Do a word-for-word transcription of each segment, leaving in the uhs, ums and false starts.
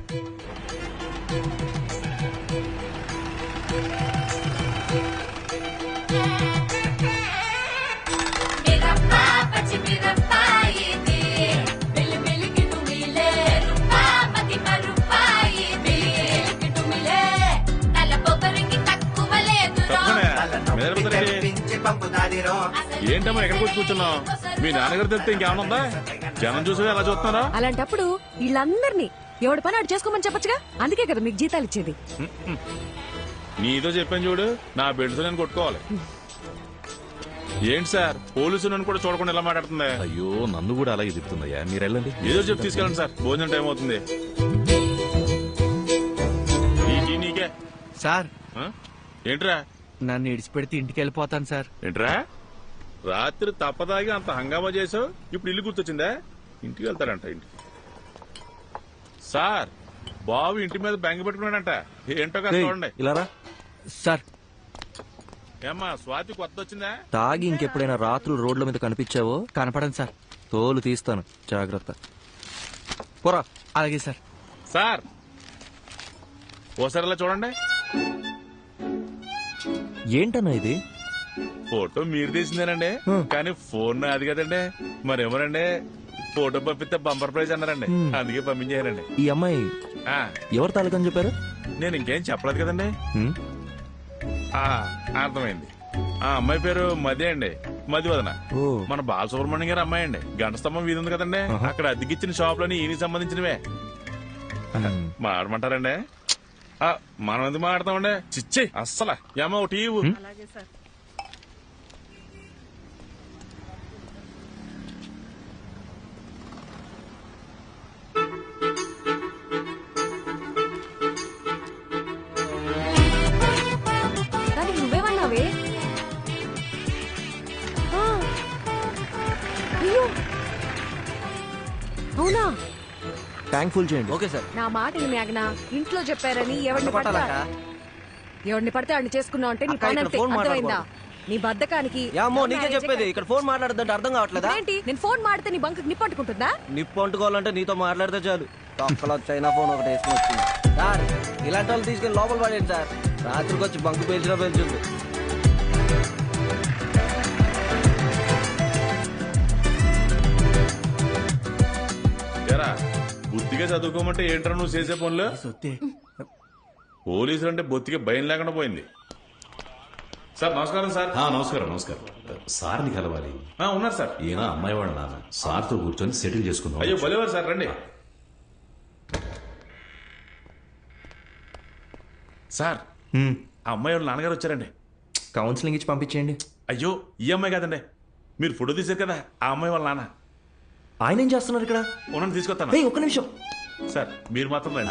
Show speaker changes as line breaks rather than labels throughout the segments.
ఏంటమ్మా ఎక్కడికి వచ్చి కూర్చున్నావు? మీ నాన్నగారు తెలిస్తే ఇంకేమన్నా ఉందా? జనం చూసి ఎలా చూస్తున్నారా?
అలాంటప్పుడు వీళ్ళందరినీ ఎవడి పని ఆడు చేసుకోమని చెప్పొచ్చుగా. అందుకే కదా మీకు జీతాలు ఇచ్చేది.
నీతో చెప్పాను చూడు, నా బెల్ట్స్ నేను కొట్టుకోవాలి. ఏంటి సార్, పోలీసు నన్ను కూడా చూడకుండా ఎలా మాట్లాడుతుంది?
అయ్యో నన్ను కూడా అలాగే చెప్తుందయ్యా. మీరు వెళ్ళండి.
ఏదో చెప్పి తీసుకెళ్ళండి సార్, భోజనం టైం అవుతుంది. నీకే
సార్.
ఏంట్రా?
నన్ను ఇడిచిపెడితే ఇంటికి వెళ్ళిపోతాను సార్.
ఏంట్రా రాత్రి తప్పదాగి అంత హంగామా చేసావు, ఇప్పుడు ఇల్లు గుర్తొచ్చిందా? ఇంటికి వెళ్తాడంట. ఇంటికి సార్, బాబు ఇంటి మీద బెంగ పెట్టుకున్నాడంట. ఏంటో కదా చూడండి.
ఇలా
సార్.
ఏమ్మా స్వాతి కొత్త వచ్చిందా?
తాగి ఇంకెప్పుడైనా రాత్రులు రోడ్ల మీద కనిపించావో
కనపడండి సార్.
తోలు తీస్తాను, జాగ్రత్త. పోరా.
అలాగే సార్.
సార్ ఓసారి చూడండి.
ఏంటన్నా ఇది?
ఫోటో మీరు తీసిందేనండి, కానీ ఫోన్ అది కదండి. మరేమోనండి, ఫోటో పంపిస్తే బంపర్ ప్రైజ్ అన్నారండి, అందుకే పంపించారండి.
ఈ అమ్మాయి ఎవరు తాలూకని చెప్పారు?
నేను ఇంకేం చెప్పలేదు కదండి. అర్థమైంది. ఆ అమ్మాయి పేరు మది అండి, మది వదన. మన బాలసుబ్రహ్మణ్యం గారి అమ్మాయి అండి. గంట స్తంభం వీధి ఉంది కదండి, అక్కడ అద్దెకిచ్చిన షాప్ లోని ఈయనకి సంబంధించినవే. మాడమంటారండి? మనం ఎందుకు మాడతామండి? చిచ్చి అస్సలు ఏమో ఒకటి.
నువ్వేమన్నావే? అవునా?
థ్యాంక్ఫుల్ చేయండి.
Okay sir.
నా మాట మేఘనా, ఇంట్లో చెప్పారని ఎవరిని పడతా ఎవరిని పడితే వాడిని చేసుకున్నావు అంటే నీ పని అంతే. అర్థమైందా? నీ బద్దకానికి
నీకే చెప్పేది. ఇక్కడ ఫోన్ మాట్లాడదంటే అర్థం కావట్లేదా?
ఏంటి? నేను ఫోన్ మాడితే నీ బంకు నిప్పు అంటుకుంటుందా?
నిప్పు అంటుకోవాలంటే నీతో మాట్లాడితే చాలు. తొక్కలో చైనా ఫోన్ ఒకటి వేసుకుని వచ్చింది సార్. ఇలాంటి వాళ్ళు తీసుకెళ్లి లోపల పడేయండి సార్. రాత్రికి వచ్చి బంకు పేల్చినా పేల్చుంది.
బుద్ధిగా చదువుకోమంటే ఏంట్రా నువ్వు చేసే పనులు? పోలీసులు అంటే బొత్తిగా భయం లేకుండా పోయింది. సార్ నమస్కారం. సార్
నమస్కారం. నమస్కారం. సార్ని కలవాలి.
ఉన్నారు సార్.
ఈయన అమ్మాయి వాళ్ళ నాన్న. సార్తో కూర్చొని సెటిల్ చేసుకుందాం.
అయ్యో భలేవారు సార్, రండి. సార్ ఆ అమ్మాయి వాళ్ళ నాన్నగారు వచ్చారండి.
కౌన్సిలింగ్ ఇచ్చి పంపించేయండి.
అయ్యో ఈ అమ్మాయి కాదండి, మీరు ఫోటో తీశారు కదా ఆ అమ్మాయి వాళ్ళ నాన్న.
ఆయన ఏం చేస్తున్నారు ఇక్కడ?
ఉన్నాను, తీసుకొస్తాను.
ఒక్క నిమిషం
సార్, మీరు మాత్రం రండి.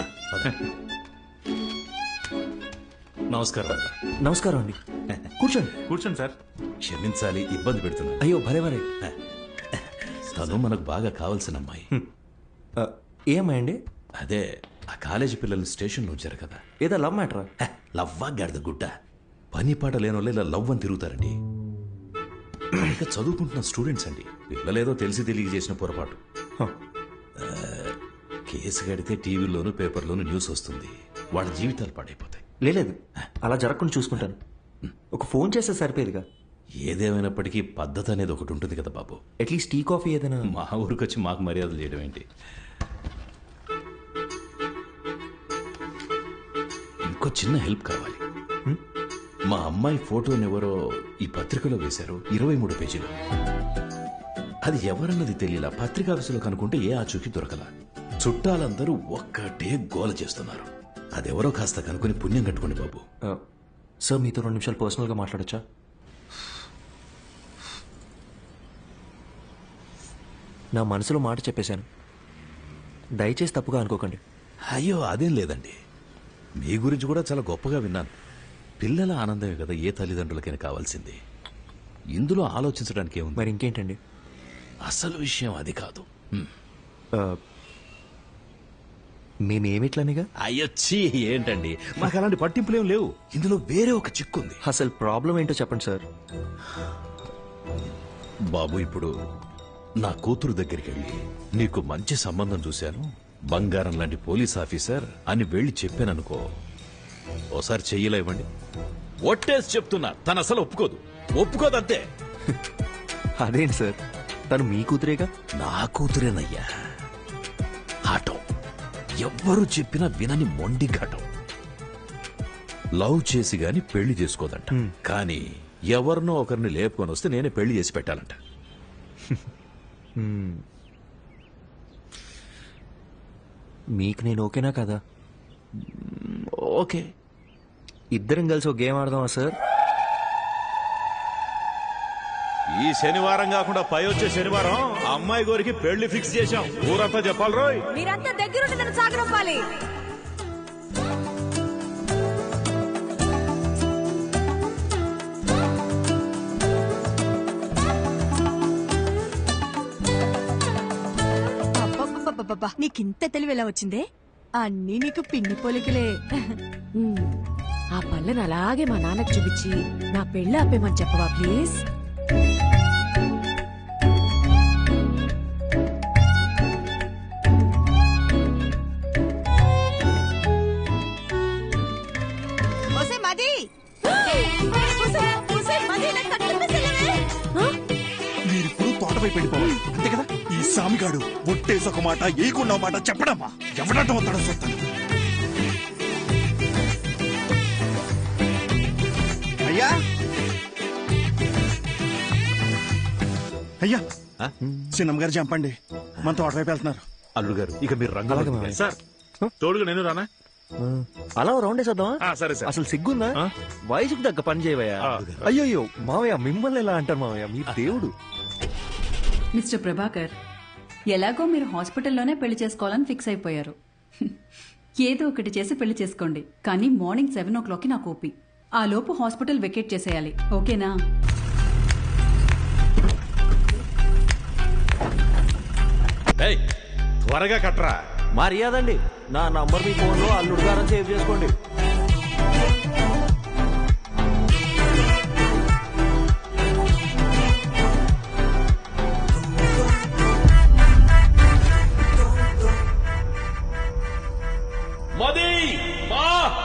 నమస్కారం.
నమస్కారం అండి. కూర్చోండి.
కూర్చోండి సార్.
క్షమించాలి, ఇబ్బంది పెడుతున్నా.
అయ్యో భలే భలే.
తను మనకు బాగా కావాల్సిన అమ్మాయి.
ఏ అమ్మాయి అండి?
అదే ఆ కాలేజీ పిల్లలు స్టేషన్లో వచ్చారు కదా.
ఏదో లవ్ మ్యాటరా?
లవ్వా గాడిద గుడ్డ. పని పాట లేని వాళ్ళు ఇలా లవ్ అని తిరుగుతారండి. ఇక చదువుకుంటున్న స్టూడెంట్స్ అండి. పిల్లలేదో తెలిసి తెలియ చేసిన పొరపాటు. కేసు కడితే టీవీలోను పేపర్లోను న్యూస్ వస్తుంది, వాళ్ళ జీవితాలు పాడైపోతాయి.
లేదు, అలా జరగకుండా చూసుకుంటాను. ఒక ఫోన్ చేస్తే సరిపోయేదిగా.
ఏదేమైనప్పటికీ పద్ధతి అనేది ఒకటి ఉంటుంది కదా బాబు.
అట్లీస్ట్ టీ కాఫీ ఏదైనా.
మా ఊరికి వచ్చి మాకు మర్యాదలు చేయడం ఏంటి? ఇంకో చిన్న హెల్ప్ కావాలి. మా అమ్మాయి ఫోటోని ఎవరో ఈ పత్రికలో వేశారు, ఇరవై మూడు పేజీలు. అది ఎవరన్నది తెలియలా. పత్రికా ఆఫీసులో కనుక్కుంటే ఏ ఆచూకీ దొరకలా. చుట్టాలందరూ ఒక్కటే గోల చేస్తున్నారు. అదెవరో కాస్త కనుక్కొని పుణ్యం కట్టుకోండి బాబు.
సార్ మీతో రెండు నిమిషాలు పర్సనల్ గా మాట్లాడచ్చా? నా మనసులో మాట చెప్పేశాను, దయచేసి తప్పుగా అనుకోకండి.
అయ్యో అదేం లేదండి, మీ గురించి కూడా చాలా గొప్పగా విన్నాను. పిల్లల ఆనందమే కదా ఏ తల్లిదండ్రులకైనా కావాల్సింది. ఇందులో ఆలోచించడానికి ఏముంది?
మరి ఇంకేంటండి?
అసలు విషయం అది కాదు.
మేమేమిట్లనిగా?
అయ్యొచ్చి ఏంటండి, మాకు అలాంటి పట్టింపులేం లేవు. ఇందులో వేరే ఒక చిక్కుంది.
అసలు ప్రాబ్లం ఏంటో చెప్పండి సార్.
బాబు, ఇప్పుడు నా కూతురు దగ్గరికి వెళ్ళి నీకు మంచి సంబంధం చూశాను, బంగారం లాంటి పోలీస్ ఆఫీసర్ అని వెళ్ళి చెప్పాననుకో, ఓసారి చెయ్యిలా ఇవ్వండి, ఒట్టేసి చెప్తున్నా తను అసలు ఒప్పుకోదు, ఒప్పుకోదంతే.
అదేంటి సార్, తను మీ కూతురేగా.
నా కూతురేనయ్యా. ఆటం ఎవ్వరు చెప్పినా వినని మొండి ఘటం. లవ్ చేసి గాని పెళ్లి చేసుకోదంట, కానీ ఎవరినో ఒకరిని లేపుకొని వస్తే నేనే పెళ్లి చేసి పెట్టాలంట.
మీకు నేను ఓకేనా కదా?
ఓకే,
ఇద్దరం కలిసి ఒక గేమ్ ఆడదామా సార్?
ఈ శనివారం కాకుండా పై వచ్చే శనివారం అమ్మాయి గోరికి పెళ్లి ఫిక్స్ చేశాం. ఊరంతా చెప్పాలి రోయ్.
మీరంతా దగ్గరుండి నన్ను సాగనంపాలి.
అబ్బబ్బబ్బబ్బబ్బా, నీకింత తెలివి ఎలా వచ్చిందే? అన్నీ నీకు పిన్ని పోలికలే.
ఉమ్, ఆ పళ్ళను అలాగే మా నాన్నకు చూపించి నా పెళ్ళి ఆపేమని చెప్పవా ప్లీజ్?
ఒసే మది, ఒసే, ఒసే మది, నాకు తట్టుకునే సెలవే.
మీరిప్పుడు తోటపైపు వెళ్ళిపోవాలి అంతే కదా. ఈ సామిగాడు ఒట్టేసి ఒక మాట ఏకున్న మాట చెప్పడమ్మా, ఎవడటం వస్తాడో చూస్తాను. అయ్యా అయ్యా, చిన్నమ్మ గారు చంపండి, మన తోటపైపు వెళ్తున్నారు.
అల్లుడు గారు ఇక మీరు రంగంలో
సార్ తోడుగా నేను రానా?
అలా రౌండ్ వేసేద్దామా?
ఆ, సరే సార్.
అసలు సిగ్గుందా? వయసుకు తగ్గ పని చేయవయ్యా.
ఆ.
అయ్యో మావయ్య, మిమ్మల్ని ఎలా అంటారు మావయ్య, మీ దేవుడు.
మిస్టర్ ప్రభాకర్, ఎలాగో మీరు హాస్పిటల్లోనే పెళ్లి చేసుకోవాలని ఫిక్స్ అయిపోయారు. ఏదో ఒకటి చేసి పెళ్లి చేసుకోండి, కానీ మార్నింగ్ సెవెన్ ఓ క్లాక్కి నాకు ఓపీ. ఆ లోపు హాస్పిటల్ వెకేట్ చేసేయాలి, ఓకేనా?
ఏయ్, త్వరగా కట్రా.
మర్యాదండి, నా నంబర్ మీ ఫోన్ లో అల్లుడు గారని సేవ్ చేసుకోండి.
మది మా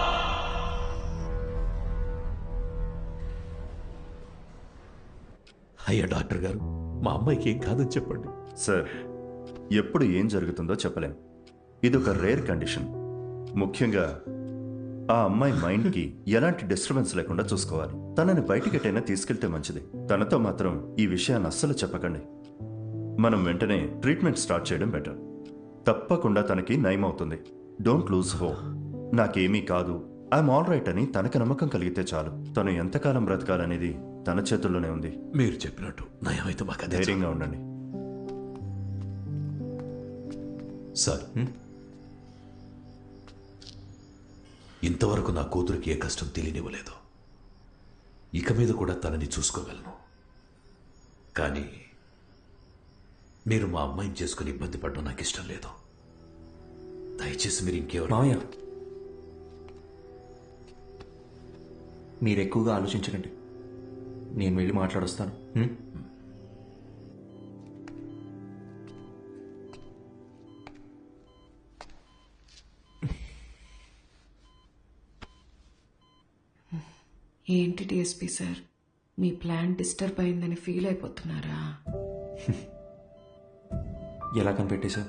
అయ్యా డాక్టర్ గారు, మా అమ్మాయికి ఏం కాదని చెప్పండి.
సార్, ఎప్పుడు ఏం జరుగుతుందో చెప్పలేం. ఇదొక రేర్ కండిషన్. ముఖ్యంగా ఆ అమ్మాయి మైండ్కి ఎలాంటి డిస్టర్బెన్స్ లేకుండా చూసుకోవాలి. తనని బయటికెటైనా తీసుకెళ్తే మంచిది. తనతో మాత్రం ఈ విషయాన్ని అస్సలు చెప్పకండి. మనం వెంటనే ట్రీట్మెంట్ స్టార్ట్ చేయడం బెటర్. తప్పకుండా తనకి నయం అవుతుంది. Don't lose hope. నాకేమీ కాదు, ఐఎమ్ ఆల్ రైట్ అని తనకి నమ్మకం కలిగితే చాలు. తను ఎంతకాలం బ్రతకాలనేది తన చేతుల్లోనే ఉంది.
మీరు చెప్పినట్టు నయమైతే మాకు అదే
ధైర్యంగా ఉండండి.
సార్, ఇంతవరకు నా కూతురికి ఏ కష్టం తెలియనివ్వలేదు. ఇక మీద కూడా తనని చూసుకోగలను. కానీ మీరు మా అమ్మాయిని చేసుకుని ఇబ్బంది పడడం నాకు ఇష్టం లేదు. దయచేసి మీరు ఇంకెవరు
మావయ్య, మీరు ఎక్కువగా ఆలోచించకండి, నేను వెళ్ళి మాట్లాడొస్తాను. హ్మ్?
ఏంటి డిఎస్పీ సార్, మీ ప్లాన్ డిస్టర్బ్ అయిందని ఫీల్ అయిపోతున్నారా?
ఎలా కనిపెట్టేశా?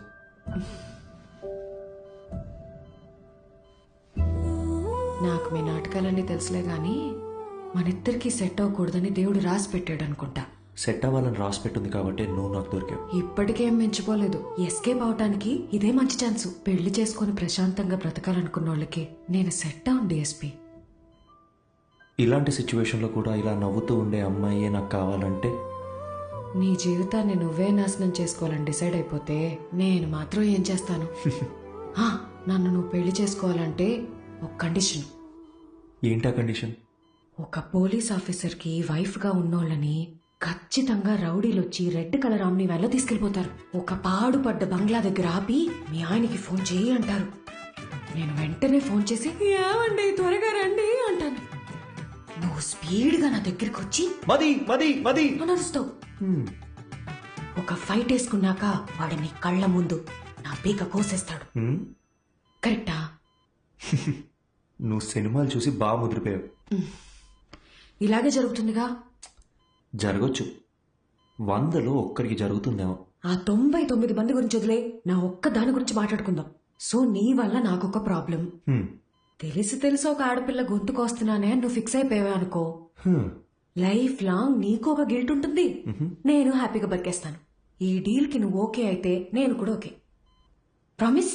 నాకు మీ నాటకాలన్నీ తెలుసులే గాని మనిద్దరికి సెట్ అవ్వకూడదని దేవుడు రాసి పెట్టాడు అనుకుంటా.
సెట్ అవ్వాలని రాసి పెట్టుంది కాబట్టి నువ్వు నాకు దొరికావు.
ఇప్పటికేం మించిపోలేదు. ఎస్కేప్ అవటానికి ఇదే మంచి ఛాన్స్. పెళ్లి చేసుకుని ప్రశాంతంగా బ్రతకాలనుకున్న వాళ్ళకి నేను సెట్ అవును డిఎస్పీ.
ఇలాంటి సిచ్యువేషన్లో కూడా ఇలా నవ్వుతూ ఉండే అమ్మాయే నాకు కావాలంటే?
నీ జీవితాన్ని నువ్వే నాశనం చేసుకోవాలని డిసైడ్ అయిపోతే నేను మాత్రం ఏం చేస్తాను? ఆ, నన్ను నువ్వు పెళ్లి చేసుకోవాలంటే ఒక కండిషన్.
ఏంటా కండిషన్?
ఒక పోలీస్ ఆఫీసర్ కి వైఫ్ గా ఉన్నోళ్ళని ఖచ్చితంగా రౌడీలొచ్చి రెడ్ కలర్ ఆమ్ని వ్యాన్లో తీసుకెళ్లిపోతారు. ఒక పాడుపడ్డ బంగ్లా దగ్గర ఆపి మీ ఆయనకి ఫోన్ చేయి అంటారు. నేను వెంటనే ఫోన్ చేసి ఏమండి త్వరగా రండి అంటాను. నువ్వు స్పీడ్ గా నా దగ్గరికి వచ్చి
మది మది మది
నడుస్తావు. ఒక ఫైట్ వేసుకున్నాక వాడిని కళ్ళ ముందు నా పీక కోసేస్తాడు.
హ్మ్?
కరెక్టా?
నువ్వు సినిమాలు చూసి బాగా ముదిరిపోయావు.
ఇలాగే జరుగుతుందిగా.
జరగచ్చు, వందలో ఒక్కరికి జరుగుతుందేమో.
ఆ తొంభై తొమ్మిది మంది గురించి వదిలే, నా ఒక్క దాని గురించి మాట్లాడుకుందాం. సో నీ వల్ల నాకొక ప్రాబ్లం.
హ్మ్.
తెలిసి తెలిసి ఒక ఆడపిల్ల గొంతుకొస్తున్నానే అని నువ్వు ఫిక్స్ అయిపోయావు అనుకో,
హ్మ్.
లైఫ్ లాంగ్ నీకు ఒక గిల్ట్ ఉంటుంది, నేను హ్యాపీగా బతికేస్తాను. ఈ డీల్ కి నువ్వు ఓకే అయితే నేను కూడా ఓకే. ప్రామిస్?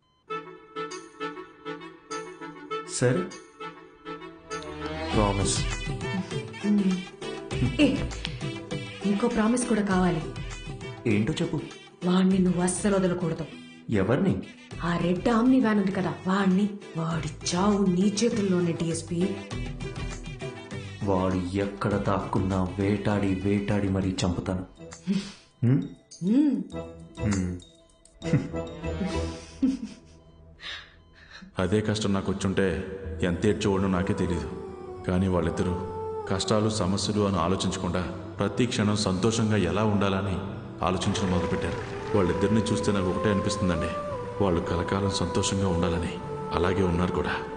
సరే, ప్రామిస్.
ఏ ఇంకో ప్రామిస్ కూడా కావాలి.
ఏంటో చెప్పు.
వాణ్ణి నువ్వు అస్సలు వదలకూడదు.
ఎవరిని?
ఆ రెడ్ ఆమ్ని వ్యాన్ ఉంది కదా, వాణ్ణి. వాడి చావు నీ చేతుల్లోనే డిఎస్పీ.
వాడు ఎక్కడ దాక్కున్నా వేటాడి వేటాడి మరీ చంపుతాను. హ్మ్?
మ్మ్.
హ్మ్.
అదే కష్టం నాకు వచ్చుంటే ఎంత ఏడ్చేవాడో నాకే తెలియదు. కానీ వాళ్ళిద్దరూ కష్టాలు సమస్యలు అని ఆలోచించకుండా ప్రతి క్షణం సంతోషంగా ఎలా ఉండాలని ఆలోచించడం మొదలుపెట్టారు. వాళ్ళిద్దరిని చూస్తే నాకు ఒకటే అనిపిస్తుందండి, వాళ్ళు కలకాలం సంతోషంగా ఉండాలని. అలాగే ఉన్నారు కూడా.